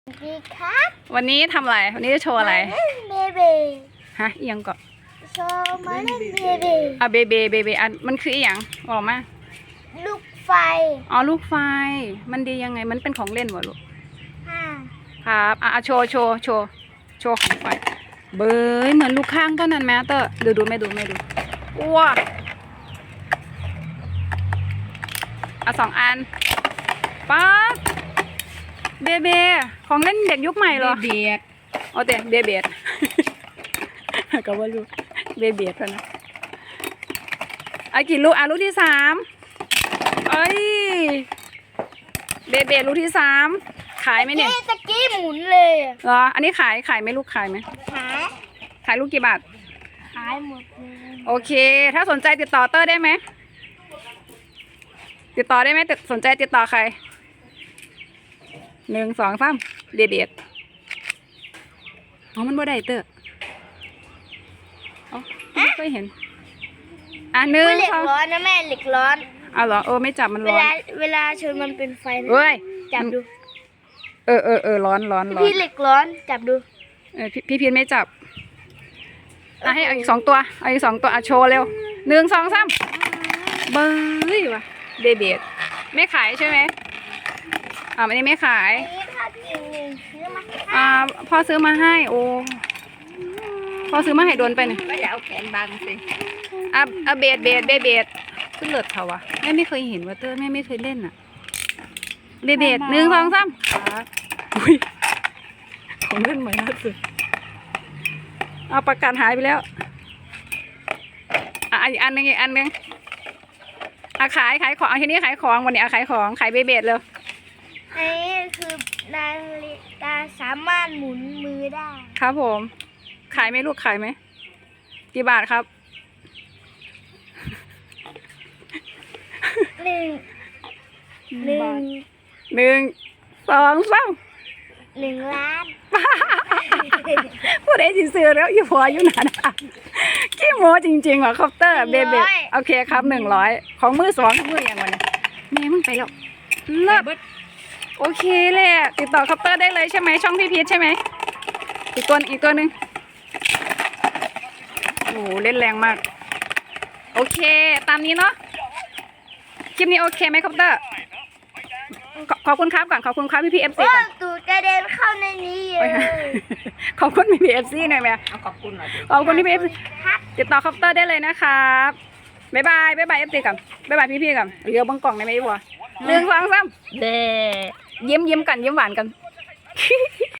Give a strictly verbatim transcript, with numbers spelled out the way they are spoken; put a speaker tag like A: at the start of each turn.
A: ดีครับ
B: วันนี้ทำอะไร วันนี้จะโชว์อะไร
A: มาเล่นเบเบ
B: ฮะเอียงก่อน
A: โชว์มาเล่นเบเบ
B: อ่ะเบเบเบเบอันมันคืออีหยังบอกมา
A: ลูกไฟ
B: อ๋อลูกไฟ มันดียังไง มันเป็นของเล่นวะลูก
A: ห้า
B: ครับอ่ะอ่ะโชว์โชว์โชว์โชว์ของไฟ เบยเหมือนลูกข้างต้นนั้นแมเตอร์ดูดูไม่ดูไม่ดูว้าอ่ะสองอันป๊าดเบเบของเล่นเด็กยุคใหม่เหรอ
C: เบียด
B: โอเคเบเบด ก็ว่าลูกเบเบดแล้วนะไอ้กี่ลูกอ่ะลูกที่สามเอ้ยเบเบดลูกที่สามขายไหมเนี่ย
A: เอ๊ะตะกี้หมุนเลยอะ
B: เหรออันนี้ขายขายไหมลูกขายไหม
A: ขาย
B: ขายลูกกี่บาท
A: ขายหมดเลย
B: โอเค ถ้าสนใจติดต่อเตอร์ได้ไหมติดต่อได้ไหมติดสนใจติดต่อใครหนึ่งสองสามเบเบดอ๋อมันบ่ได้เตอร์อ๋อไม่เคยเห็นอ่ะหนึ่ง
A: เหล็ก
B: สอง
A: ร้อนนะแม่เหล็กร้อน
B: เอาเหรอเออไม่จับมัน
A: เว
B: ร้อน
A: ลาเวลาชนมันเป็นไฟนะ
B: เฮ้ย
A: จับดู
B: เออเออเออร้อนร้อนร้อน
A: พี่เหล็กร้อนจับดู
B: เออพี่พี่พีนไม่จับอ่ะให้เอาอีกสองตัวเอาอีกสองตัวอ่ะโชว์เร็วหนึ่งสองสามเบย์ว่ะเบเบดไม่ขายใช่ไหมอ่าอันนี้ไม่ขาย
A: อันนี้พาพี่หนึ่งซื้อมาให้
B: อ่าพ่อซื้อมาให้โอ้พ่อซื้อมาให้โดนไปเนี่ย
C: ก็อย่าเอาแขนบังสิ
B: อ่ะอ่ะเบดเบดเบเบดขึ้นเลิศเขาวะแม่ไม่เคยเห็นว่าเตอร์แม่ไม่เคยเล่นอ่ะเบเบดหนึ่งสองสามขาอุ้ยของเล่นใหม่ล่าสุดเอาประกันหายไปแล้วอ่ะอีกอันหนึงอีกอันหนึงอ่ะขายขายของทีนี้ขายของวันนี้อ่ะขายของขายเบเบดเลย
A: อันนี้คือนาฬิกาสามารถหมุนมือได้
B: ครับผม ขายไหมลูกขายไหมกี่บาทครับ
A: หนึ่งหนึ่ง
B: หนึ่งสองสาม
A: หนึ่งล้าน
B: พูดไอ้สิซื้อแล้วอยู่พออยู่หนาดาขี้โม้จริงๆว่ะคอปเตอร์เบเบโอเคครับหนึ่งร้อยของมือสองมืออย่างวันนี้แม่มึงไปแล้วเลิศโอเคเลยอะติดต่อคอปเตอร์ได้เลยใช่ไหมช่องพี่พีชใช่ไหมอีกตัวอีกตัวหนึ่งโอ้โหเล่นแรงมากโอเคตามนี้เนาะคลิปนี้โอเคไหมคอปเตอร์ขอขอบคุณครับก่อนขอบคุณครับพี่พีเอฟซี
A: โอ้
B: ก่อน
A: ตูดกระเด็นเข้าในนี้เล
B: ไป
A: ย
B: ค่ะขอบคุณพี่พีเอฟซีหน่อยไหม
C: เอาขอบคุณหน่อยดิ
B: ขอบคุณพี่พีเอฟซี
A: ครับ
B: ติดต่อคอปเตอร์ได้เลยนะครับบ๊ายบายบ๊ายบายเอฟซีก่อนบ๊ายบายพี่พี่ก่อนเรียวบังกล่องได้ไหมพี่บัวหนึ่งสองสาม
C: เด้
B: ยิ้มยิ้มกันยิ้มหวานกัน